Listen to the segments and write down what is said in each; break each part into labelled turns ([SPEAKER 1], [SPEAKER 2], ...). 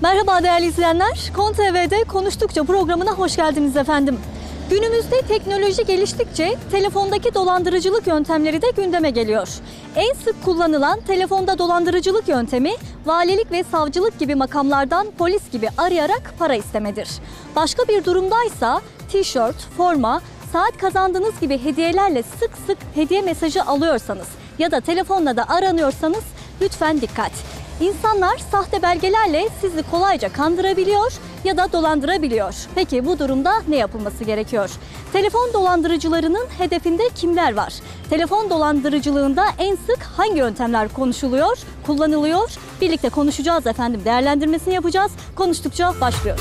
[SPEAKER 1] Merhaba değerli izleyenler. KON TV'de Konuştukça programına hoş geldiniz efendim. Günümüzde teknoloji geliştikçe telefondaki dolandırıcılık yöntemleri de gündeme geliyor. En sık kullanılan telefonda dolandırıcılık yöntemi valilik ve savcılık gibi makamlardan polis gibi arayarak para istemedir. Başka bir durumdaysa tişört, forma, saat kazandığınız gibi hediyelerle sık sık hediye mesajı alıyorsanız ya da telefonla da aranıyorsanız lütfen dikkat. İnsanlar sahte belgelerle sizi kolayca kandırabiliyor ya da dolandırabiliyor. Peki bu durumda ne yapılması gerekiyor? Telefon dolandırıcılarının hedefinde kimler var? Telefon dolandırıcılığında en sık hangi yöntemler konuşuluyor, kullanılıyor? Birlikte konuşacağız efendim. Değerlendirmesini yapacağız. Konuştukça başlıyor.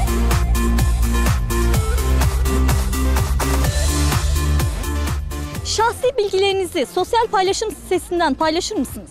[SPEAKER 1] Şahsi bilgilerinizi sosyal paylaşım sitesinden paylaşır mısınız?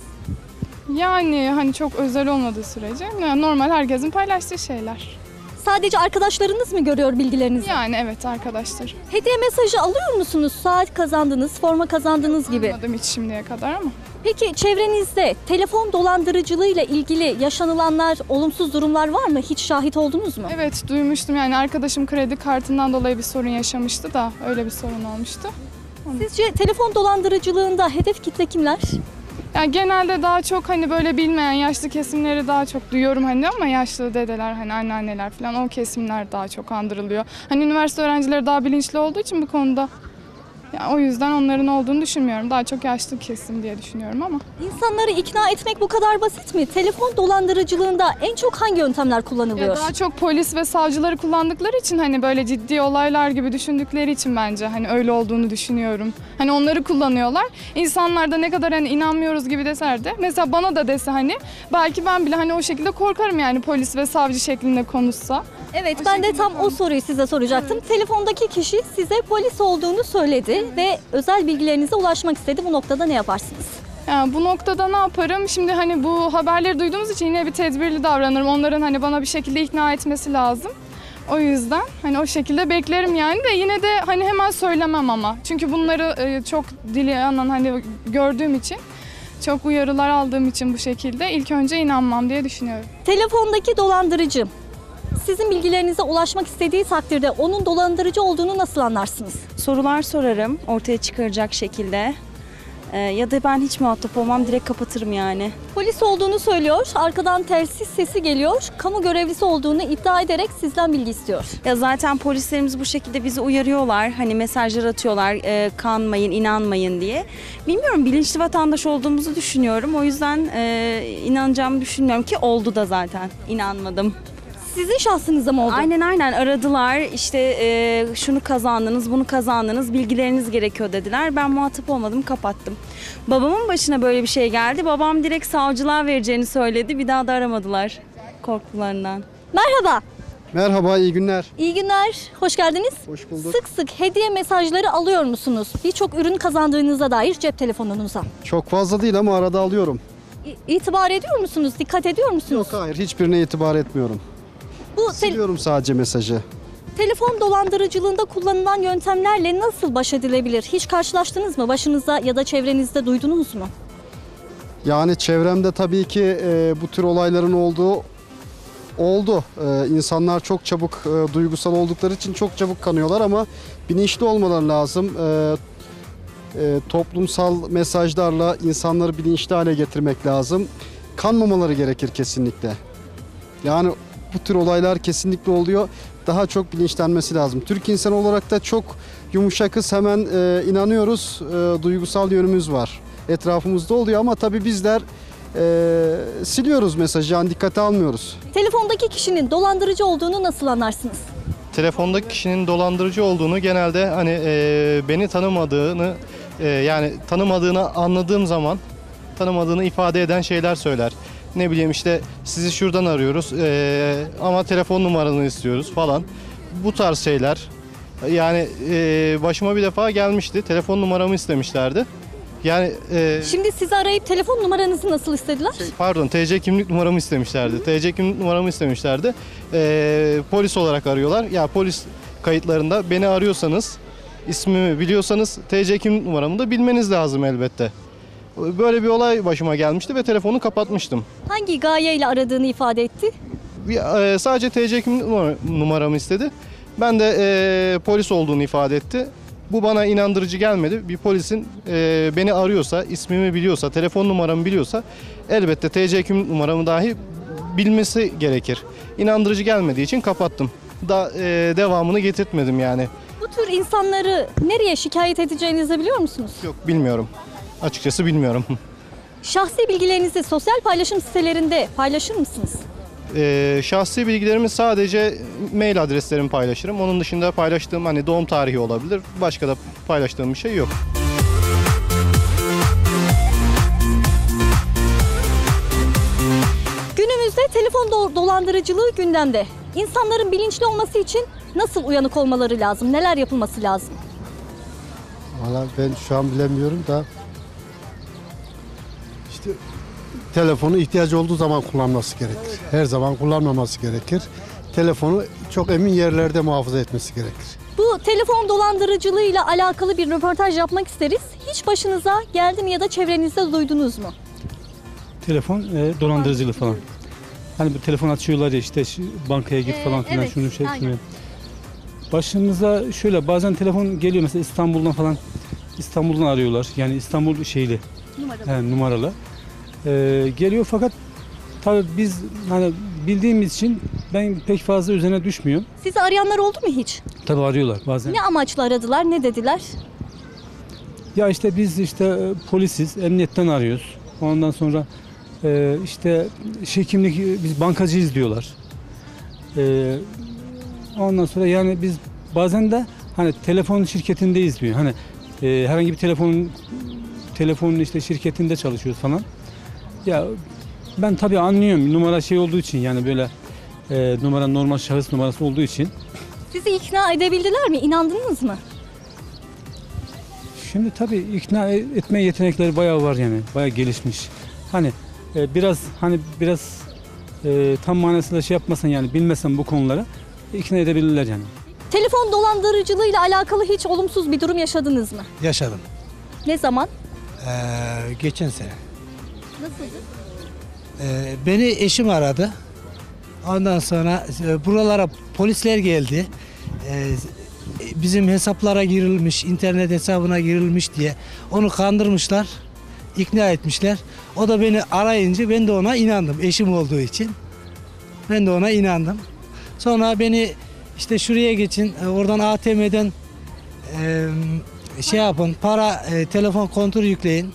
[SPEAKER 2] Yani hani çok özel olmadığı sürece normal herkesin paylaştığı şeyler.
[SPEAKER 1] Sadece arkadaşlarınız mı görüyor bilgilerinizi?
[SPEAKER 2] Yani evet, arkadaşlar.
[SPEAKER 1] Hediye mesajı alıyor musunuz? Saat kazandınız, forma kazandınız gibi.
[SPEAKER 2] Almadım hiç şimdiye kadar ama.
[SPEAKER 1] Peki çevrenizde telefon dolandırıcılığıyla ilgili yaşanılanlar, olumsuz durumlar var mı? Hiç şahit oldunuz mu?
[SPEAKER 2] Evet, duymuştum, yani arkadaşım kredi kartından dolayı bir sorun yaşamıştı da öyle bir sorun olmuştu.
[SPEAKER 1] Sizce telefon dolandırıcılığında hedef kitle kimler?
[SPEAKER 2] Yani genelde daha çok hani böyle bilmeyen yaşlı kesimleri daha çok duyuyorum hani, ama yaşlı dedeler, hani anneanneler falan, o kesimler daha çok kandırılıyor. Hani üniversite öğrencileri daha bilinçli olduğu için bu konuda, yani o yüzden onların olduğunu düşünmüyorum. Daha çok yaşlı kesim diye düşünüyorum ama.
[SPEAKER 1] İnsanları ikna etmek bu kadar basit mi? Telefon dolandırıcılığında en çok hangi yöntemler kullanılıyor?
[SPEAKER 2] Ya daha çok polis ve savcıları kullandıkları için, hani böyle ciddi olaylar gibi düşündükleri için bence hani öyle olduğunu düşünüyorum. Hani onları kullanıyorlar. İnsanlar da ne kadar hani inanmıyoruz gibi deser de, mesela bana da dese hani, belki ben bile hani o şekilde korkarım, yani polis ve savcı şeklinde konuşsa.
[SPEAKER 1] Evet, ben de tam o soruyu size soracaktım. Evet. Telefondaki kişi size polis olduğunu söyledi ve özel bilgilerinize ulaşmak istedi. Bu noktada ne yaparsınız?
[SPEAKER 2] Yani bu noktada ne yaparım? Şimdi hani bu haberleri duyduğumuz için yine bir tedbirli davranırım. Onların hani bana bir şekilde ikna etmesi lazım. O yüzden hani o şekilde beklerim yani, de yine de hani hemen söylemem ama. Çünkü bunları çok dili yanan hani gördüğüm için, çok uyarılar aldığım için bu şekilde ilk önce inanmam diye düşünüyorum.
[SPEAKER 1] Telefondaki dolandırıcı sizin bilgilerinize ulaşmak istediği takdirde onun dolandırıcı olduğunu nasıl anlarsınız?
[SPEAKER 3] Sorular sorarım ortaya çıkaracak şekilde. Ya da ben hiç muhatap olmam, direkt kapatırım yani.
[SPEAKER 1] Polis olduğunu söylüyor, arkadan telsiz sesi geliyor, kamu görevlisi olduğunu iddia ederek sizden bilgi istiyor.
[SPEAKER 3] Ya zaten polislerimiz bu şekilde bizi uyarıyorlar, hani mesajlar atıyorlar, kanmayın, inanmayın diye. Bilmiyorum, bilinçli vatandaş olduğumuzu düşünüyorum, o yüzden inanacağımı düşünmüyorum ki oldu da zaten, inanmadım.
[SPEAKER 1] Sizin şahsınıza mı oldu?
[SPEAKER 3] Aynen aradılar, işte şunu kazandınız, bunu kazandınız, bilgileriniz gerekiyor dediler. Ben muhatap olmadım, kapattım. Babamın başına böyle bir şey geldi. Babam direkt savcılığa vereceğini söyledi. Bir daha da aramadılar korkularından.
[SPEAKER 1] Merhaba.
[SPEAKER 4] Merhaba, iyi günler.
[SPEAKER 1] İyi günler, hoş geldiniz.
[SPEAKER 4] Hoş bulduk.
[SPEAKER 1] Sık sık hediye mesajları alıyor musunuz? Birçok ürün kazandığınıza dair cep telefonunuza.
[SPEAKER 4] Çok fazla değil ama arada alıyorum.
[SPEAKER 1] İtibar ediyor musunuz? Dikkat ediyor musunuz?
[SPEAKER 4] Yok, hayır, hiçbirine itibar etmiyorum. Siliyorum sadece mesajı.
[SPEAKER 1] Telefon dolandırıcılığında kullanılan yöntemlerle nasıl baş edilebilir? Hiç karşılaştınız mı? Başınızda ya da çevrenizde duydunuz mu?
[SPEAKER 4] Yani çevremde tabii ki bu tür olayların oldu. İnsanlar çok çabuk duygusal oldukları için çok çabuk kanıyorlar ama bilinçli olmaları lazım. Toplumsal mesajlarla insanları bilinçli hale getirmek lazım. Kanmamaları gerekir kesinlikle. Yani bu tür olaylar kesinlikle oluyor. Daha çok bilinçlenmesi lazım. Türk insanı olarak da çok yumuşakız, hemen inanıyoruz. Duygusal yönümüz var. Etrafımızda oluyor ama tabii bizler siliyoruz mesajı, yani dikkate almıyoruz.
[SPEAKER 1] Telefondaki kişinin dolandırıcı olduğunu nasıl anlarsınız?
[SPEAKER 5] Telefondaki kişinin dolandırıcı olduğunu genelde hani beni tanımadığını, yani tanımadığını anladığım zaman tanımadığını ifade eden şeyler söyler. Ne bileyim işte, sizi şuradan arıyoruz ama telefon numaranı istiyoruz falan. Bu tarz şeyler. Yani başıma bir defa gelmişti. Telefon numaramı istemişlerdi. Yani
[SPEAKER 1] Şimdi sizi arayıp telefon numaranızı nasıl istediler?
[SPEAKER 5] TC kimlik numaramı istemişlerdi. TC kimlik numaramı istemişlerdi. Polis olarak arıyorlar. Ya polis kayıtlarında beni arıyorsanız, ismimi biliyorsanız TC kimlik numaramı da bilmeniz lazım elbette. Böyle bir olay başıma gelmişti ve telefonu kapatmıştım.
[SPEAKER 1] Hangi gayeyle aradığını ifade etti?
[SPEAKER 5] Sadece TC kimlik numaramı istedi. Ben de polis olduğunu ifade etti. Bu bana inandırıcı gelmedi. Bir polisin beni arıyorsa, ismimi biliyorsa, telefon numaramı biliyorsa elbette TC kimlik numaramı dahi bilmesi gerekir. İnandırıcı gelmediği için kapattım. Devamını getirtmedim yani.
[SPEAKER 1] Bu tür insanları nereye şikayet edeceğinizi biliyor musunuz?
[SPEAKER 5] Yok, bilmiyorum. Açıkçası bilmiyorum.
[SPEAKER 1] Şahsi bilgilerinizi sosyal paylaşım sitelerinde paylaşır mısınız?
[SPEAKER 5] Şahsi bilgilerimi sadece mail adreslerimi paylaşırım. Onun dışında paylaştığım hani doğum tarihi olabilir. Başka da paylaştığım bir şey yok.
[SPEAKER 1] Günümüzde telefon dolandırıcılığı gündemde. İnsanların bilinçli olması için nasıl uyanık olmaları lazım? Neler yapılması lazım?
[SPEAKER 6] Valla ben şu an bilemiyorum da işte telefonu ihtiyacı olduğu zaman kullanması gerekir. Her zaman kullanmaması gerekir. Telefonu çok emin yerlerde muhafaza etmesi gerekir.
[SPEAKER 1] Bu telefon dolandırıcılığıyla alakalı bir röportaj yapmak isteriz. Hiç başınıza geldi mi ya da çevrenizde duydunuz mu?
[SPEAKER 7] Telefon dolandırıcılığı falan. Hani bu telefon açıyorlar ya işte bankaya git falan filan
[SPEAKER 1] evet,
[SPEAKER 7] şunu şey
[SPEAKER 1] aynen.
[SPEAKER 7] etmiyor. Başımıza şöyle bazen telefon geliyor mesela İstanbul'dan falan, İstanbul'dan arıyorlar. Yani İstanbul şeyli numaralı. Geliyor fakat tabii biz hani bildiğimiz için ben pek fazla üzerine düşmüyorum.
[SPEAKER 1] Sizi arayanlar oldu mu hiç?
[SPEAKER 7] Tabii arıyorlar bazen.
[SPEAKER 1] Ne amaçla aradılar, ne dediler?
[SPEAKER 7] Ya işte biz işte polisiz, emniyetten arıyoruz. Ondan sonra işte kimlik biz bankacıyız diyorlar. Ondan sonra yani biz bazen de hani telefon şirketindeyiz diyor. Hani herhangi bir telefonun işte şirketinde çalışıyoruz falan. Ya ben tabii anlıyorum numara şey olduğu için yani böyle numara normal şahıs numarası olduğu için.
[SPEAKER 1] Sizi ikna edebildiler mi? İnandınız mı?
[SPEAKER 7] Şimdi tabii ikna etme yetenekleri bayağı var yani. Bayağı gelişmiş. Hani biraz tam manasıyla şey yapmasan yani bilmesen bu konuları ikna edebilirler yani.
[SPEAKER 1] Telefon dolandırıcılığıyla alakalı hiç olumsuz bir durum yaşadınız mı?
[SPEAKER 8] Yaşadım.
[SPEAKER 1] Ne zaman?
[SPEAKER 8] Geçen sene.
[SPEAKER 1] Nasıldı?
[SPEAKER 8] Beni eşim aradı. Ondan sonra buralara polisler geldi. Bizim hesaplara girilmiş, internet hesabına girilmiş diye onu kandırmışlar, ikna etmişler. O da beni arayınca ben de ona inandım, eşim olduğu için. Ben de ona inandım. Sonra beni işte şuraya geçin, oradan ATM'den şey yapın, telefon kontrol yükleyin.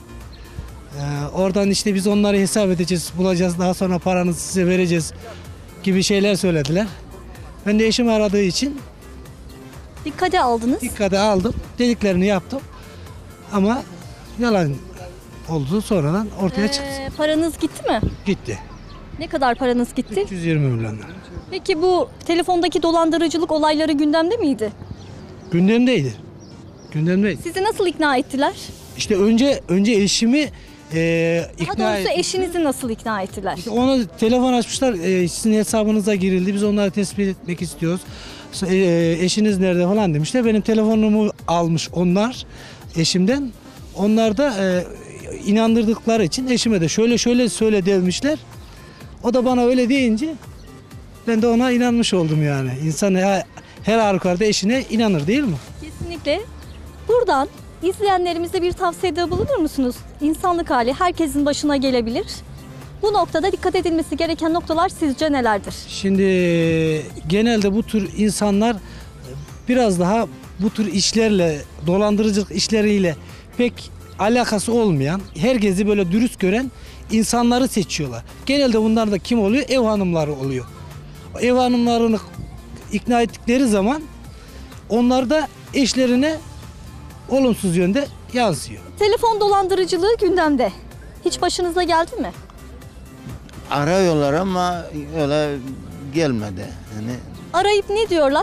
[SPEAKER 8] Oradan işte biz onları hesap edeceğiz, bulacağız, daha sonra paranızı size vereceğiz gibi şeyler söylediler. Ben de eşim aradığı için
[SPEAKER 1] Dikkate aldınız.
[SPEAKER 8] dikkate aldım, dediklerini yaptım. Ama yalan oldu, sonradan ortaya çıktı.
[SPEAKER 1] Paranız gitti mi?
[SPEAKER 8] Gitti.
[SPEAKER 1] Ne kadar paranız gitti?
[SPEAKER 8] 320 milyon lira.
[SPEAKER 1] Peki bu telefondaki dolandırıcılık olayları gündemde miydi?
[SPEAKER 8] Gündemdeydi. Gündemdeydi.
[SPEAKER 1] Sizi nasıl ikna ettiler?
[SPEAKER 8] İşte önce eşimi
[SPEAKER 1] Daha
[SPEAKER 8] ikna
[SPEAKER 1] doğrusu
[SPEAKER 8] et.
[SPEAKER 1] eşinizi nasıl ikna ettiler?
[SPEAKER 8] İşte ona telefon açmışlar. Sizin hesabınıza girildi. Biz onları tespit etmek istiyoruz. Eşiniz nerede falan demişler. Benim telefonumu almış onlar eşimden. Onlar da inandırdıkları için eşime de şöyle söyle demişler. O da bana öyle deyince ben de ona inanmış oldum yani. İnsan her halükarda eşine inanır değil mi?
[SPEAKER 1] Kesinlikle. Buradan izleyenlerimize bir tavsiyede bulunur musunuz? İnsanlık hali herkesin başına gelebilir. Bu noktada dikkat edilmesi gereken noktalar sizce nelerdir?
[SPEAKER 8] Şimdi genelde bu tür insanlar biraz daha bu tür işlerle, dolandırıcılık işleriyle pek alakası olmayan, herkesi böyle dürüst gören insanları seçiyorlar. Genelde bunlar da kim oluyor? Ev hanımları oluyor. Ev hanımlarını ikna ettikleri zaman onlar da eşlerine olumsuz yönde yansıyor.
[SPEAKER 1] Telefon dolandırıcılığı gündemde. Hiç başınıza geldi mi?
[SPEAKER 9] Arıyorlar ama öyle gelmedi. Yani
[SPEAKER 1] Arayıp ne diyorlar?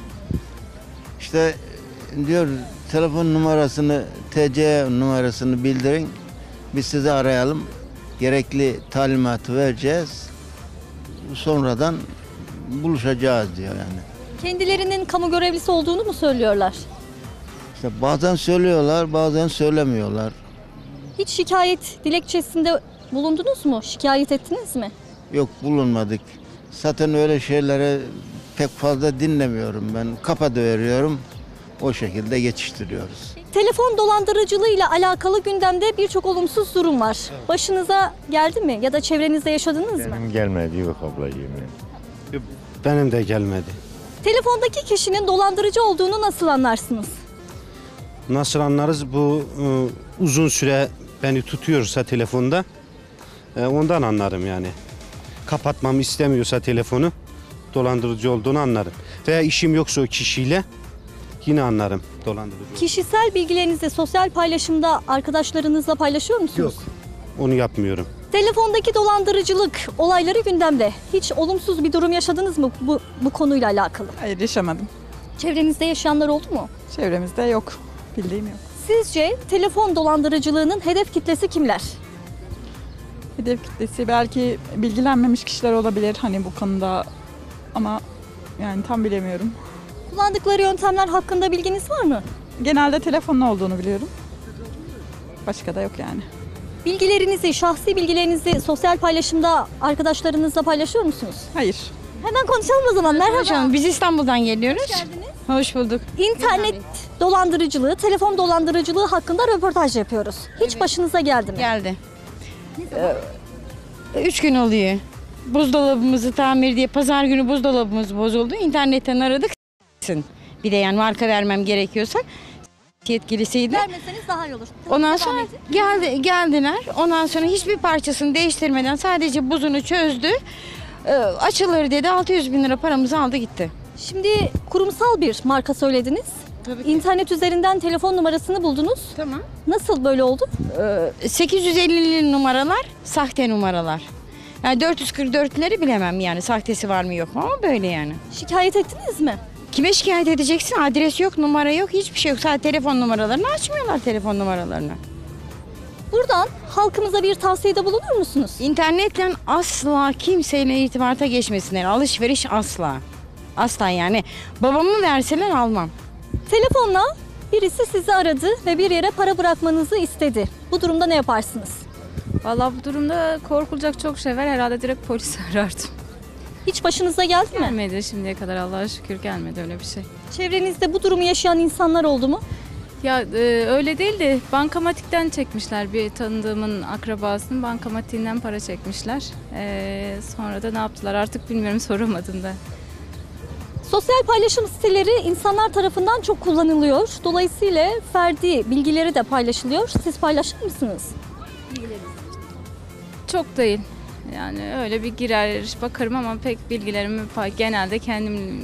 [SPEAKER 9] işte diyor telefon numarasını, TC numarasını bildirin. Biz sizi arayalım. Gerekli talimatı vereceğiz. Sonradan buluşacağız diyor yani.
[SPEAKER 1] Kendilerinin kamu görevlisi olduğunu mu söylüyorlar?
[SPEAKER 9] İşte bazen söylüyorlar, bazen söylemiyorlar.
[SPEAKER 1] Hiç şikayet dilekçesinde bulundunuz mu? Şikayet ettiniz mi?
[SPEAKER 9] Yok bulunmadık. Zaten öyle şeylere pek fazla dinlemiyorum ben. Kapatıveriyorum. O şekilde geçiştiriyoruz.
[SPEAKER 1] Telefon dolandırıcılığı ile alakalı gündemde birçok olumsuz durum var. Başınıza geldi mi ya da çevrenizde yaşadınız mı?
[SPEAKER 10] Benim gelmedi yok ablacığım.
[SPEAKER 6] Benim de gelmedi.
[SPEAKER 1] Telefondaki kişinin dolandırıcı olduğunu nasıl anlarsınız?
[SPEAKER 6] Nasıl anlarız? Bu uzun süre beni tutuyorsa telefonda ondan anlarım yani. Kapatmamı istemiyorsa telefonu dolandırıcı olduğunu anlarım. Veya işim yoksa o kişiyle yine anlarım dolandırıcı.
[SPEAKER 1] Kişisel bilgilerinizi sosyal paylaşımda arkadaşlarınızla paylaşıyor musunuz?
[SPEAKER 6] Yok. Onu yapmıyorum.
[SPEAKER 1] Telefondaki dolandırıcılık olayları gündemde. Hiç olumsuz bir durum yaşadınız mı bu konuyla alakalı?
[SPEAKER 11] Hayır, yaşamadım.
[SPEAKER 1] Çevrenizde yaşayanlar oldu mu?
[SPEAKER 11] Çevremizde yok. Bildiğim yok.
[SPEAKER 1] Sizce telefon dolandırıcılığının hedef kitlesi kimler?
[SPEAKER 11] Hedef kitlesi belki bilgilenmemiş kişiler olabilir hani bu konuda ama yani tam bilemiyorum.
[SPEAKER 1] Kullandıkları yöntemler hakkında bilginiz var mı?
[SPEAKER 11] Genelde telefonun olduğunu biliyorum. Başka da yok yani.
[SPEAKER 1] Bilgilerinizi, şahsi bilgilerinizi sosyal paylaşımda arkadaşlarınızla paylaşıyor musunuz?
[SPEAKER 11] Hayır.
[SPEAKER 1] Hemen konuşalım o zaman. Merhaba.
[SPEAKER 12] Hocam biz İstanbul'dan geliyoruz.
[SPEAKER 1] Hoş geldiniz.
[SPEAKER 12] Hoş bulduk.
[SPEAKER 1] İnternet dolandırıcılığı, telefon dolandırıcılığı hakkında röportaj yapıyoruz. Hiç başınıza geldi mi?
[SPEAKER 12] Geldi. 3 gün oluyor. Buzdolabımızı tamir diye pazar günü buzdolabımız bozuldu. İnternetten aradık. Bir de yani marka vermem gerekiyorsa yetkilisiydi.
[SPEAKER 1] Vermeseniz daha iyi olur.
[SPEAKER 12] Ondan sonra geldiler. Ondan sonra hiçbir parçasını değiştirmeden sadece buzunu çözdü. Açılır dedi. 600 bin lira paramızı aldı gitti.
[SPEAKER 1] Şimdi kurumsal bir marka söylediniz.
[SPEAKER 12] Tabii ki.
[SPEAKER 1] İnternet üzerinden telefon numarasını buldunuz.
[SPEAKER 12] Tamam.
[SPEAKER 1] Nasıl böyle oldu?
[SPEAKER 12] 850'li numaralar sahte numaralar. Yani 444'leri bilemem yani sahtesi var mı yok mu ama böyle yani.
[SPEAKER 1] Şikayet ettiniz mi?
[SPEAKER 12] Kime şikayet edeceksin? Adres yok, numara yok, hiçbir şey yok. Sadece telefon numaralarını açmıyorlar telefon numaralarını.
[SPEAKER 1] Buradan halkımıza bir tavsiyede bulunur musunuz?
[SPEAKER 12] İnternetle asla kimseyle irtibata geçmesinler. Alışveriş asla. Asla yani. Babamı verseler almam.
[SPEAKER 1] Telefonla birisi sizi aradı ve bir yere para bırakmanızı istedi. Bu durumda ne yaparsınız?
[SPEAKER 13] Vallahi bu durumda korkulacak çok şey var. Herhalde direkt polisi arardım.
[SPEAKER 1] Hiç başınıza geldi mi?
[SPEAKER 13] Gelmedi şimdiye kadar, Allah'a şükür gelmedi öyle bir şey.
[SPEAKER 1] Çevrenizde bu durumu yaşayan insanlar oldu mu?
[SPEAKER 13] Ya öyle değil de bankamatikten çekmişler. Bir tanıdığımın akrabasının bankamatiğinden para çekmişler. Sonra da ne yaptılar artık bilmiyorum, soramadım da.
[SPEAKER 1] Sosyal paylaşım siteleri insanlar tarafından çok kullanılıyor. Dolayısıyla ferdi bilgileri de paylaşılıyor. Siz paylaşır mısınız?
[SPEAKER 13] Çok değil. Yani öyle bir girer bakarım ama pek bilgilerimi genelde kendim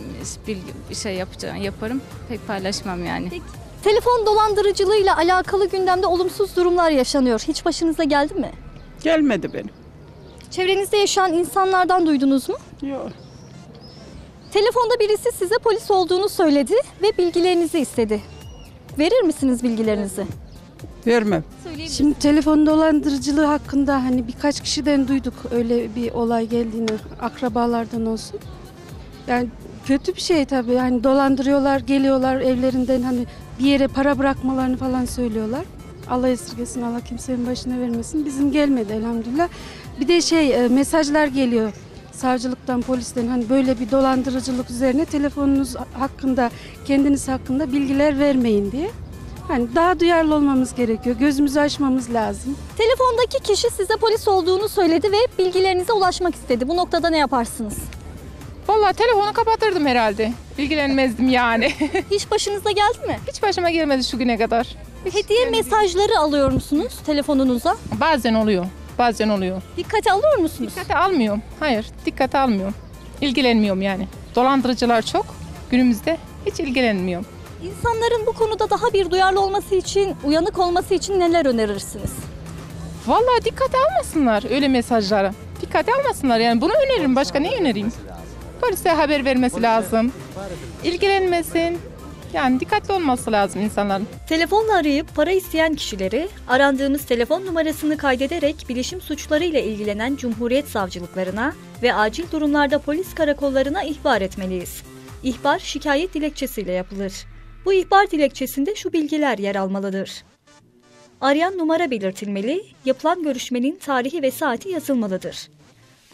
[SPEAKER 13] yaparım. Pek paylaşmam yani.
[SPEAKER 1] Peki. Telefon dolandırıcılığıyla alakalı gündemde olumsuz durumlar yaşanıyor. Hiç başınıza geldi mi?
[SPEAKER 11] Gelmedi benim.
[SPEAKER 1] Çevrenizde yaşayan insanlardan duydunuz mu?
[SPEAKER 11] Yok.
[SPEAKER 1] Telefonda birisi size polis olduğunu söyledi ve bilgilerinizi istedi. Verir misiniz bilgilerinizi?
[SPEAKER 11] Vermem.
[SPEAKER 14] Şimdi telefon dolandırıcılığı hakkında hani birkaç kişiden duyduk öyle bir olay geldiğini, akrabalardan olsun. Yani kötü bir şey tabii. Yani dolandırıyorlar, geliyorlar evlerinden hani bir yere para bırakmalarını falan söylüyorlar. Allah esirgesin, Allah kimsenin başına vermesin. Bizim gelmedi elhamdülillah. Bir de mesajlar geliyor savcılıktan, polisten hani böyle bir dolandırıcılık üzerine telefonunuz hakkında, kendiniz hakkında bilgiler vermeyin diye. Hani daha duyarlı olmamız gerekiyor. Gözümüzü açmamız lazım.
[SPEAKER 1] Telefondaki kişi size polis olduğunu söyledi ve bilgilerinize ulaşmak istedi. Bu noktada ne yaparsınız?
[SPEAKER 2] Vallahi telefonu kapatırdım herhalde. İlgilenmezdim yani.
[SPEAKER 1] Hiç başınıza geldi mi?
[SPEAKER 2] Hiç başıma gelmedi şu güne kadar.
[SPEAKER 1] Hediye mesajları alıyor musunuz telefonunuza?
[SPEAKER 2] Bazen oluyor. Bazen oluyor.
[SPEAKER 1] Dikkate alıyor musunuz?
[SPEAKER 2] Dikkate almıyorum. Hayır, dikkate almıyorum. İlgilenmiyorum yani. Dolandırıcılar çok. Günümüzde hiç ilgilenmiyorum.
[SPEAKER 1] İnsanların bu konuda daha bir duyarlı olması için, uyanık olması için neler önerirsiniz?
[SPEAKER 2] Vallahi dikkate almasınlar öyle mesajlara. Dikkate almasınlar yani bunu öneririm. Başka ne önereyim? Polise haber vermesi lazım. İlgilenmesin. Yani dikkatli olması lazım insanların.
[SPEAKER 1] Telefonla arayıp para isteyen kişileri arandığımız telefon numarasını kaydederek bilişim suçlarıyla ilgilenen Cumhuriyet savcılıklarına ve acil durumlarda polis karakollarına ihbar etmeliyiz. İhbar şikayet dilekçesiyle yapılır. Bu ihbar dilekçesinde şu bilgiler yer almalıdır. Arayan numara belirtilmeli, yapılan görüşmenin tarihi ve saati yazılmalıdır.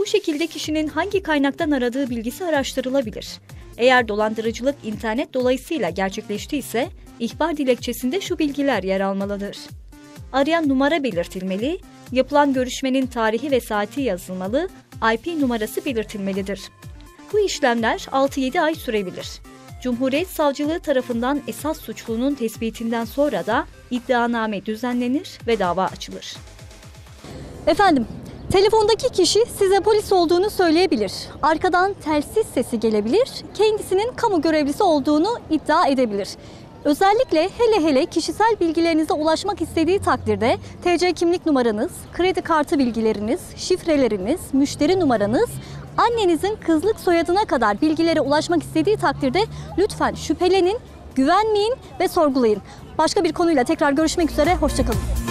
[SPEAKER 1] Bu şekilde kişinin hangi kaynaktan aradığı bilgisi araştırılabilir. Eğer dolandırıcılık internet dolayısıyla gerçekleştiyse ihbar dilekçesinde şu bilgiler yer almalıdır. Arayan numara belirtilmeli, yapılan görüşmenin tarihi ve saati yazılmalı, IP numarası belirtilmelidir. Bu işlemler 6-7 ay sürebilir. Cumhuriyet Savcılığı tarafından esas suçlunun tespitinden sonra da iddianame düzenlenir ve dava açılır. Efendim, telefondaki kişi size polis olduğunu söyleyebilir. Arkadan telsiz sesi gelebilir, kendisinin kamu görevlisi olduğunu iddia edebilir. Özellikle hele kişisel bilgilerinize ulaşmak istediği takdirde TC kimlik numaranız, kredi kartı bilgileriniz, şifreleriniz, müşteri numaranız, annenizin kızlık soyadına kadar bilgilere ulaşmak istediği takdirde lütfen şüphelenin, güvenmeyin ve sorgulayın. Başka bir konuyla tekrar görüşmek üzere, hoşça kalın.